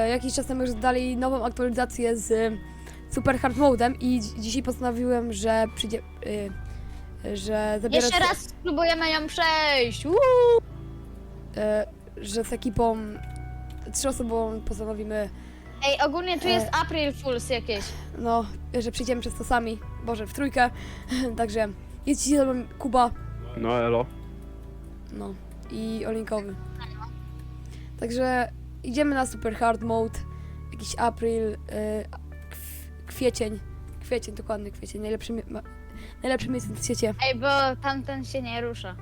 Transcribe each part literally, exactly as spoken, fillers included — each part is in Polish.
jakiś czas temu już dali nową aktualizację z y, Super Hard Modem i dzi- dzisiaj postanowiłem, że przyjdzie, y, że zabiorę Jeszcze z- raz spróbujemy ją przejść. Uuu. y, że z ekipą trzyosobową postanowimy, Ej, ogólnie tu E. jest April Fools jakieś. no, że przyjdziemy przez to sami, Boże, w trójkę, także jest dzisiaj ze mną Kuba, No elo. no, i Olinkowy. Także idziemy na Super Hard Mode, jakiś April, y, kw- kwiecień, kwiecień, dokładnie kwiecień, najlepszy, mi- ma, najlepsze miejsce na świecie. Ej, bo tamten się nie rusza.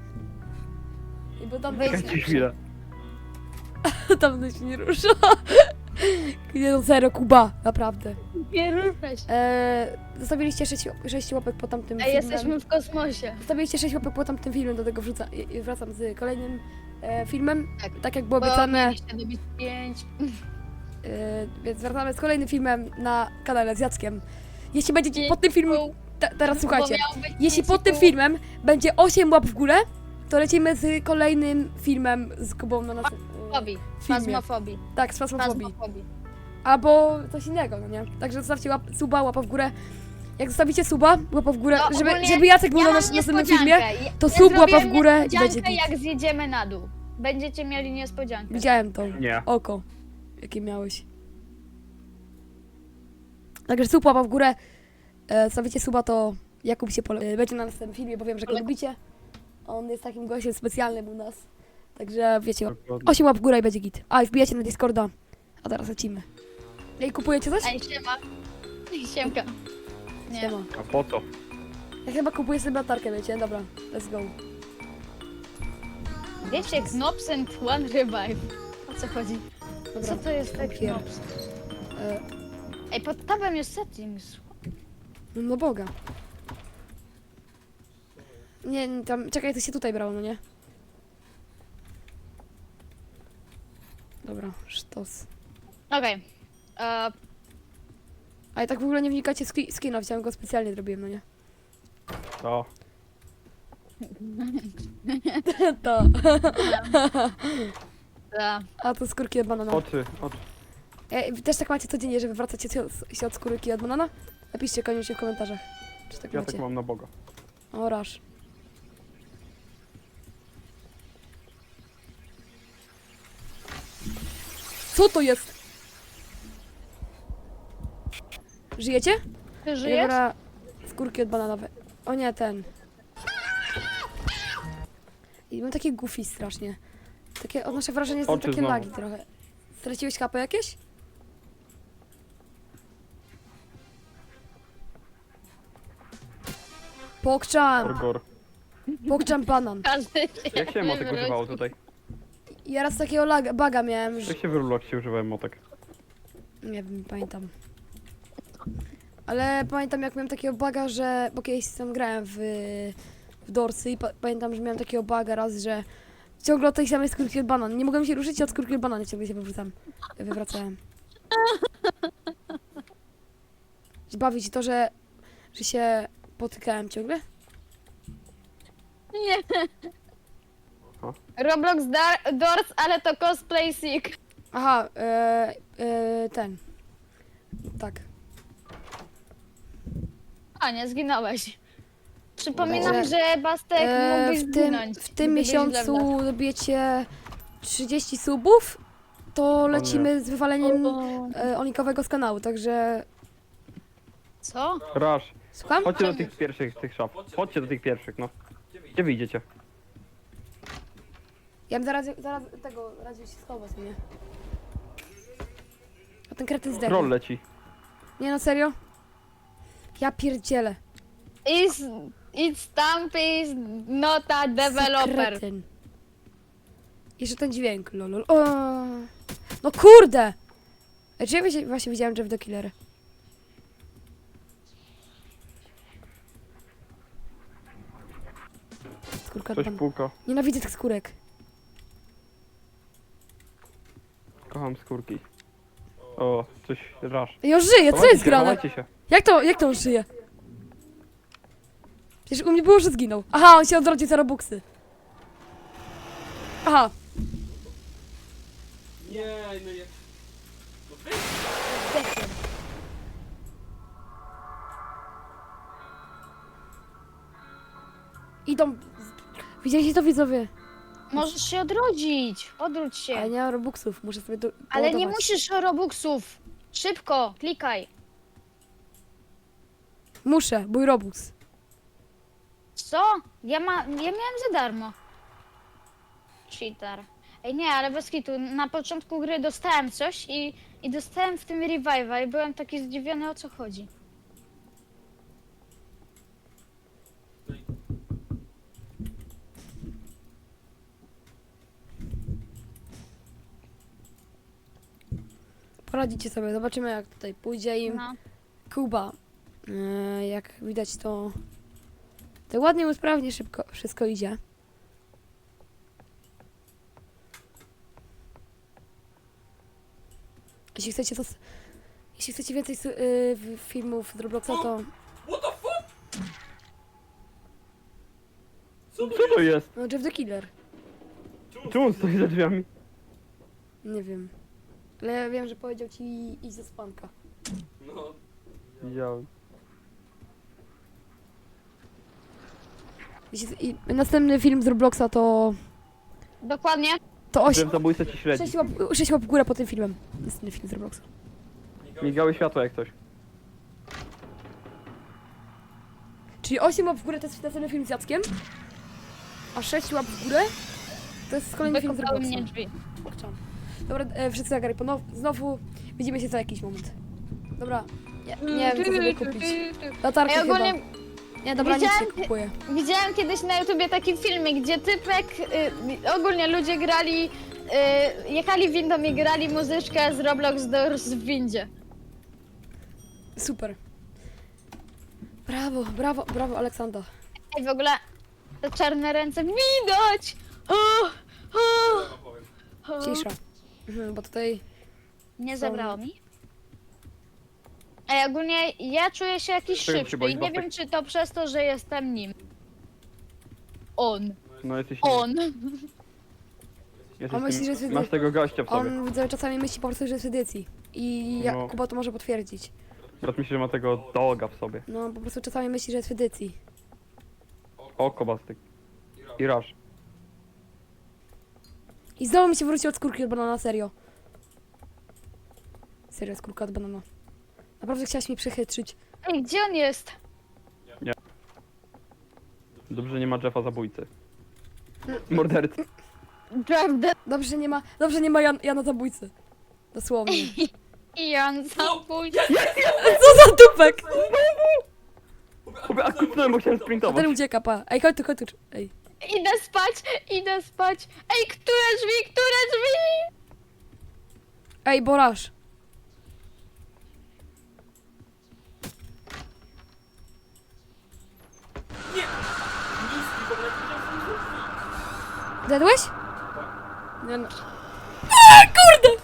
I bo tam Wejdź. Czekajcie chwilę. tam się nie rusza. Nie no, zero, Kuba, naprawdę. Nie ruszaj się. Eee, zostawiliście sześć łapek po tamtym Ej, filmem. jesteśmy w kosmosie. Zostawiliście sześć łapek po tamtym filmem, do tego wrzucam, i- i wracam z kolejnym e, filmem, Tak. tak jak było Bo obiecane, mieliście dobić pięć. e, więc wracamy z kolejnym filmem na kanale z Jackiem. Jeśli będziecie Pięć pod tym filmem, pół, te, teraz bo słuchajcie, miało być jeśli pięć pod i tym pół. filmem będzie osiem łap w górę, to lecimy z kolejnym filmem z Kubą na naszym e, Fobii. filmie. Fazmofobii. Tak, z Fasmofobii. Fazmofobii. Albo Albo coś innego, no nie? Także zostawcie łap, suba, łapa w górę. Jak zostawicie suba, łapa w górę, No, żeby, ogólnie żeby Jacek był Ja na mam nasz- następnym filmie, niespodziankę. to Ja sub, łapa w zrobiłem górę i będzie niespodziankę, git. jak zjedziemy na dół. Będziecie mieli niespodziankę. Widziałem to. Nie. Oko, jakie miałeś. Także sub, łapa w górę. E, stawicie suba, to Jakub się pole... e, będzie na następnym filmie, bo wiem, że go Ale- lubicie. On jest takim gościem specjalnym u nas. Także wiecie, Dokładnie. osiem łap w górę i będzie git. A, i wbijacie na Discorda. A teraz lecimy. Ej, kupujecie coś? Ej, siema. Siemka. Nie. Siema. A po co? Ja chyba kupuję sobie latarkę, wiecie? Dobra, let's go. Wiecie, Knops and One Revive. O co chodzi? Dobra. Co to jest tak Papier. Knops? E, Ej, pod tabem jest settings. no, no Boga. Nie, nie, tam, czekaj, to się tutaj brało, no nie? Dobra, sztos. Okej. E, A i tak w ogóle nie wnikacie w ski- skina, chciałem go specjalnie zrobiłem, no nie? To. To. e, A to skórki od banana. Oczy, oczy. E, wy też tak macie codziennie, że wywracacie się od, się od skórki od banana? Napiszcie koniecznie w komentarzach. Czy tak Ja macie? tak mam na Boga. O, rasz. Co to jest? Żyjecie? ty Ja żyjesz? biorę skórki od bananowe. O nie, ten. I mam takie goofy strasznie. Takie, odnoszę wrażenie, że są Oczy takie znowu. lagi trochę. Straciłeś kapę jakieś? Pokczam! Orgor. Pokczam banan. Każdy się Jak się motek wywróci. używało tutaj? Ja raz takiego laga, baga miałem, że... Jak się w Robloxie używałem motek? Nie wiem, nie pamiętam. Ale pamiętam, jak miałem takiego baga, że... Bo kiedyś tam grałem w... w Dorsy i pa pamiętam, że miałem takiego baga raz, że... Ciągle od tej samej skórki od banan. Nie mogłem się ruszyć i od skórki od banana ciągle się wywracam. Wywracałem. Bawi ci to, że... że się potykałem ciągle? Nie. Roblox Dar Doors, ale to cosplay sick. Aha, e, e, ten. Tak. A nie, zginąłeś. Przypominam, Dobrze. że Bastek E, mógłbyś w tym, zginąć. w tym gdybyś miesiącu źle dobijecie trzydzieści subów, to lecimy z wywaleniem wlazł. e, Onikowego z kanału, także... Co? Rasz. Słucham? Chodźcie do tych pierwszych, tych szaf. Chodźcie do tych pierwszych, no. Gdzie wyjdziecie? Ja bym zaraz, zaraz tego radził się schować, nie? A ten kretyn zdechł. Troll leci. Nie no, serio? Ja pierdzielę. Is, it's Stamp is not a developer. Kretyn. Jeszcze ten dźwięk, lolol. O! No kurde! Ej, czy ja właśnie- właśnie widziałem Jeff the Killer? Skórka Coś pan. puka. Nienawidzę tych skórek. Kocham skórki. O, coś rasz. Ej, on żyje, co Chowajcie jest się, grane? chowajcie się. Jak to, jak to on żyje? Przecież u mnie było, że zginął. Aha, on się odrodził za robuxy. Aha. Nie, no nie. Zdechłem. Idą... Widzieliście to, widzowie? Możesz się odrodzić. Odróć się. Ale nie mam robuxów, muszę sobie do, Ale nie doładować. musisz robuxów. Szybko, klikaj. Muszę, mój robux. Co? Ja, ma, ja miałem za darmo. Cheater. Ej nie, ale bez kitu, na początku gry dostałem coś i, i dostałem w tym revive'a i byłem taki zdziwiony, o co chodzi. Poradzicie sobie, zobaczymy jak tutaj pójdzie im. No. Kuba. E, jak widać to... To ładnie, usprawnie, szybko wszystko idzie. Jeśli chcecie to... Jeśli chcecie więcej su- y, w- filmów z Robloxa, to... What the fuck? Co to Co to jest? No, Jeff the Killer. Czemu on stoi za drzwiami? Nie wiem. Ale ja wiem, że powiedział ci iść ze spanka. No, Widziałem. Jeśli, i następny film z Robloxa to... Dokładnie. To oś... Ten zabójca ci śledzi. sześć łap, sześć łap w górę po tym filmem. Następny film z Robloxa. Migały światła jak coś. Czyli osiem łap w górę to jest następny film z Jackiem, a sześć łap w górę to jest kolejny film z Wykopały Robloxa. mnie drzwi. Chciałam. Dobra, e, wszyscy zagraj ponow... Znowu widzimy się za jakiś moment. Dobra, nie, nie wiem co sobie kupić. Latarkę Ej, chyba. ogólnie Nie, dobra, nic widziałem- nie kupuję. widziałem kiedyś na YouTubie taki filmik, gdzie typek, y, ogólnie ludzie grali, y, jechali windą i grali muzyczkę z Roblox Doors w windzie. Super. Brawo, brawo, brawo Aleksandra. Ej, w ogóle te czarne ręce widać! O, o, powiem. o. Cisza. Mhm, bo tutaj... Nie Są- zabrało mi. Ej, ogólnie ja czuję się jakiś Czego się szybszy boisz, i nie Bartek? wiem, czy to przez to, że jestem nim. On. No jesteś... On. Jesteś On myśli, tym, że jest masz tego gościa w sobie. On widzę, czasami myśli po prostu, że jest w edycji. I ja, No. Kuba to może potwierdzić. Brat myśli, że ma tego doga w sobie. No, po prostu czasami myśli, że jest w edycji. Oko bastyk. I rasz. I znowu mi się wróci od skórki od banana, serio. Serio, skórka od banana. Naprawdę chciałaś mnie przechytrzyć. Ej, gdzie on jest? Dobrze, że nie ma Jeffa zabójcy. Mordercy. Prawda. Dobrze, że nie ma, dobrze, że nie ma Jan, Jana zabójcy. Dosłownie. I on zabójczy. Co za dupek! Chłopie, a kupnąłem, bo chciałem A ten sprintować. ucieka, pa. Ej, chodź tu, chodź tu. Ej. Idę spać, idę spać. Ej, które drzwi, które drzwi? Ej, Borasz. Nie! Nic, tylko jak widziałem są drzwi. Zjadłeś? Nie no. A, kurde!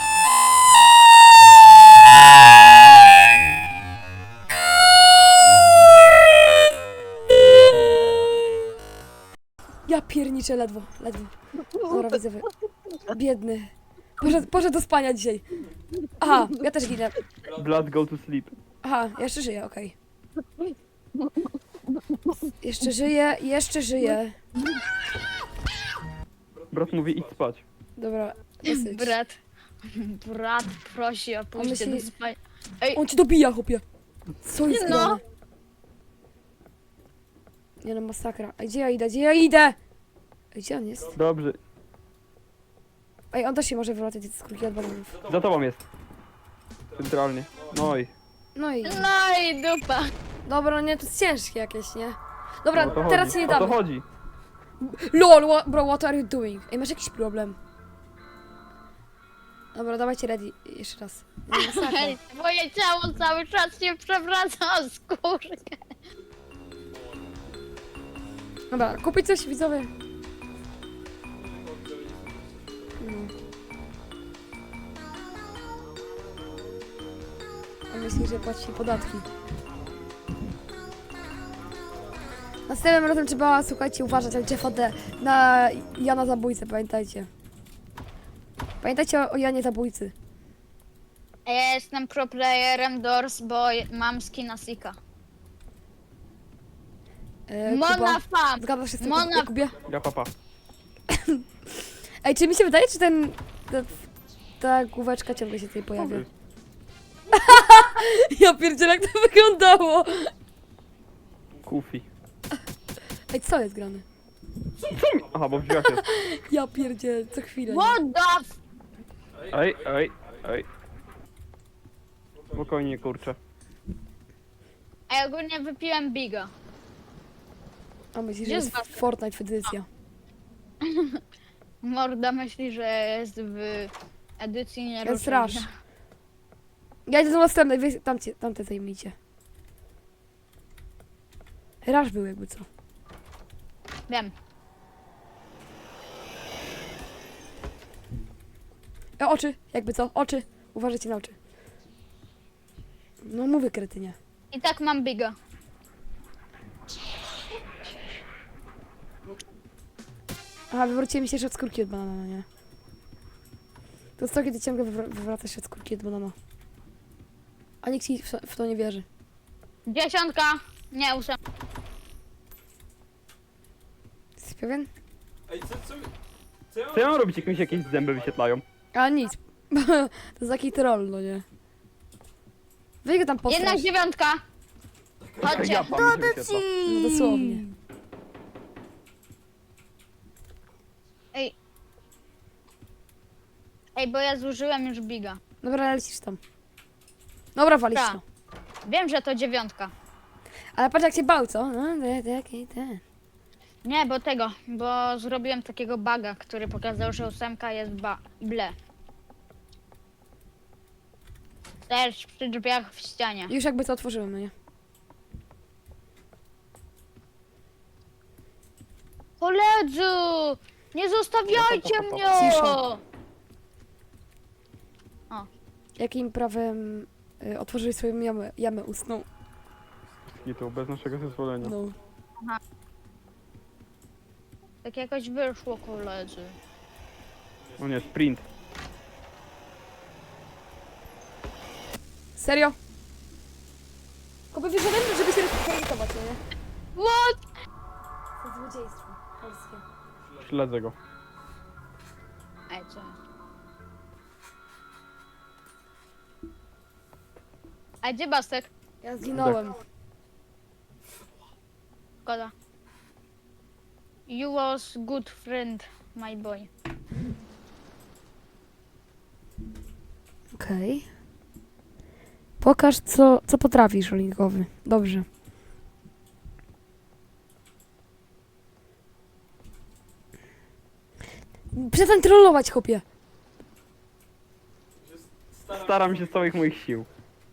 Ja pierniczę ledwo, ledwo. Dobra, widzowie. Biedny. Poszedł, poszedł do spania dzisiaj. Aha, ja też ginę. Blood go to sleep. Aha, jeszcze żyję, okej. Jeszcze żyję, jeszcze żyję. Brat mówi idź spać. Dobra, dosyć. Brat. Brat prosi o pójście myśli- do spania. Ej, On ci dobija, chłopie. Co jest No. grane? Nie no, masakra. Ej, gdzie ja idę? Gdzie ja idę? Ej, gdzie on jest? Dobrze. Ej, on też się może wywracać z skórki od bananów. Za tobą jest. Centralnie. No i. No i... no i dupa. Dobra, nie, to jest ciężkie jakieś, nie? Dobra, No o to teraz chodzi. się nie O to damy. chodzi. LOL, wha- bro, what are you doing? Ej, masz jakiś problem? Dobra, dawajcie ready. Jeszcze raz. Nie, masakra. Ej, moje ciało cały czas się przewraca o skórkę. Dobra, kupić coś, widzowie? No. A myśli, że płaci podatki. Następnym razem trzeba, słuchajcie, uważać na Jeffa D, na Jana Zabójcę, pamiętajcie. Pamiętajcie o, o Janie Zabójcy. A ja jestem pro playerem Doors, bo mam skina Sika. E, Mona Kuba, Fam! zgadzasz się z tym, Mona- Jakubie? Ja papa. Ej, czy mi się wydaje, czy ten... Ta, ta główeczka ciągle się tutaj pojawia? Wy. Ja pierdzielę, jak to wyglądało! Kufi. Ej, co jest grane? Co mi? Aha, bo w drzwiach jest. Ja pierdzielę, co chwilę. nie? What the f... Ej, ej, ej. Spokojnie, kurczę. A ja ogólnie wypiłem Biga. A myślisz, że Gdzie jest jest basket? Fortnite edycja. Morda myśli, że jest w edycji nie Jest Rush. Ja idę do następnej, wy tamcie, tamte zajmijcie. Rush był jakby co. Wiem. E, oczy, jakby co, oczy. Uważajcie na oczy. No mówię, kretynie. I tak mam Biga. Aha, wywróciłem się jeszcze od skórki od banana, no nie? To jest to, kiedy ciągle wywra wywraca się od skórki od banana. A nikt ci w, w to nie wierzy. Dziesiątka! Nie, ósem. Jesteś pewien? Ej, co, co, co ja mam Co ja mam robić, jak mi się jakieś zęby wyświetlają? A nic. To jest taki troll, no nie? Weź go tam postrasz. Jednak dziewiątka! Chodźcie. Ja pan mi się wyświetla. No dosłownie. Ej. Ej, bo ja zużyłem już Biga. Dobra, lecisz tam. Dobra, walisz Tak. to. Wiem, że to dziewiątka. Ale patrz jak się bał, co? No, te- taki ten. Nie, bo tego, bo zrobiłem takiego buga, który pokazał, że ósemka jest ba ble. Też przy drzwiach w ścianie. Już jakby to otworzyłem, no nie? Koledzy! Nie zostawiajcie mnie! Cisza. Jakim prawem y, otworzyłeś swoją jamę, jamę ustną? I to bez naszego zezwolenia. No. Tak jakoś wyszło, koledzy. O nie, sprint. Serio? Koby wyszedłem, żeby się rejestrować, no nie? What? To złodziejstwo polskie. Śledzę go. Ej, co? A gdzie Bastek? Ja zginąłem. Szkoda. You was good friend, my boy. Okej. Pokaż, co, co potrafisz, Olinkowy. Dobrze. Przestań trollować, chłopie. się staram, Staram się z całych moich sił.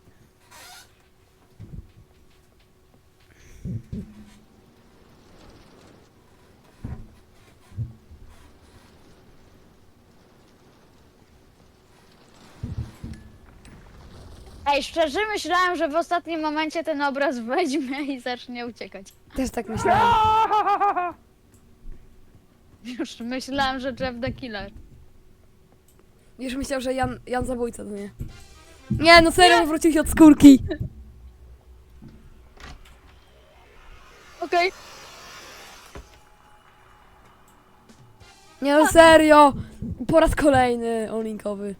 Ej, szczerze myślałem, że w ostatnim momencie ten obraz weźmie i zacznie uciekać. Też tak myślałem. Już myślałam, że Jeff the Killer. Już myślał, że Jan, Jan zabójca, to nie. Nie, no serio, wrócił się od skórki. Okej. Nie, no serio. Po raz kolejny, Olinkowy.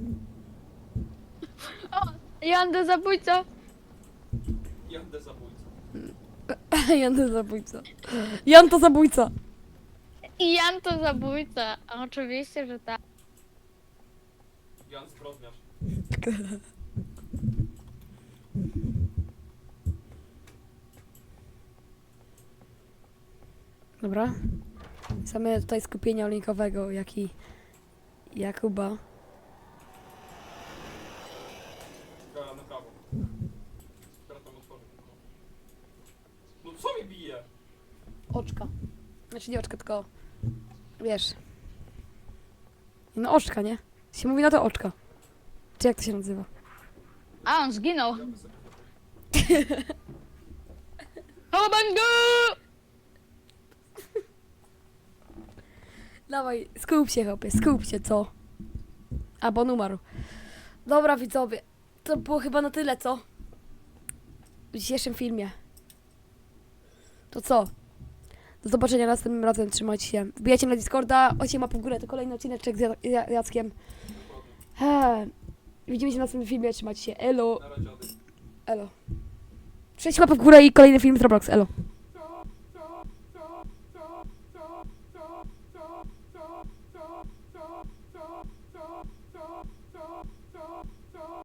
Jan the zabójca. jadę zabójcą. Jan to zabójca. Jan to zabójca. I Jan to zabójca. A oczywiście, że tak. Jan zbrodniarz. Dobra. Same tutaj skupienia Olinkowego, jak i Jakuba. Gara na prawo. Teraz tam otworzę tylko. No co mi bije? Oczka. Znaczy nie oczka, tylko wiesz. No oczka, nie? Się mówi na to oczka. Czy jak to się nazywa? A on zginął. Kobango! Dawaj, skup się, chłopie, skup się, co? A, bo on umarł. Dobra widzowie, to było chyba na tyle, co? W dzisiejszym filmie. To co? Do zobaczenia następnym razem, trzymajcie się. Wbijajcie na Discorda, osiem łap w górę, to kolejny odcineczek z Ja- Ja- Jackiem. He. Widzimy się w następnym filmie, trzymajcie się, elo, Na razie, Ady. elo. sześć łap w górę i kolejny film z Roblox, elo.